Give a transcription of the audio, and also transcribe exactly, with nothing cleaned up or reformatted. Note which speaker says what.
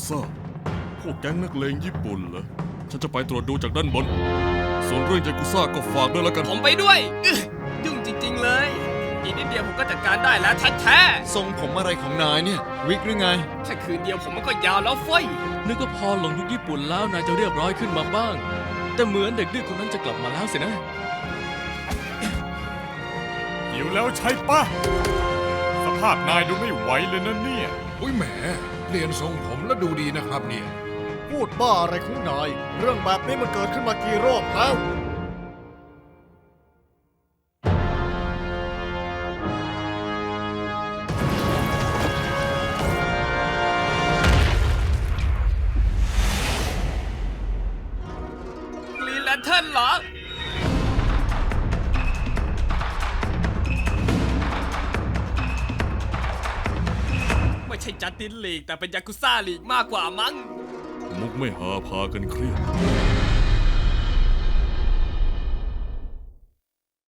Speaker 1: ซ่าพวกแก๊งนักเลงญี่ปุ่นเหรอฉันจะไปตรวจดูจากด้านบนส่วนเรื่องยากุซ่าก็ฝากด้วยแล้วกัน
Speaker 2: ผมไปด้วยอึ๊ะยุ่งจริงๆเลยอีกนิดเดียวผมก็จัดการได้แล้วแท้
Speaker 3: ทรงผมอะไรของนายเนี่ย วิกหรือไง
Speaker 2: ๆแค่คืนเดียวผมมันก็ยาวแล้วเฟ้ย
Speaker 4: นึกว่าพอหลงยุคญี่ปุ่นแล้วนายจะเรียบร้อยขึ้นมาบ้าง แต่เหมือนเด็กดื้อคนนั้นจะกลับมาแล้วสินะ
Speaker 5: หิวแล้วใช่ปะสภาพนายดูไม่ไหวเลยนะเนี่ย
Speaker 6: อุ้ยแหมเปลี่ยนทรงผมแล้วดูดีนะครับเนี่ย
Speaker 7: พูดบ้าอะไรของนาย เรื่องแบบนี้มันเกิดขึ้นมากี่รอบแล้ว
Speaker 2: กรีนแลนเทิร์นเหรอ ไม่ใช่จัสตินลีกแต่เป็นยากุซ่าลีกมากกว่ามั้ง
Speaker 1: มุกไม่หาพากันเครียด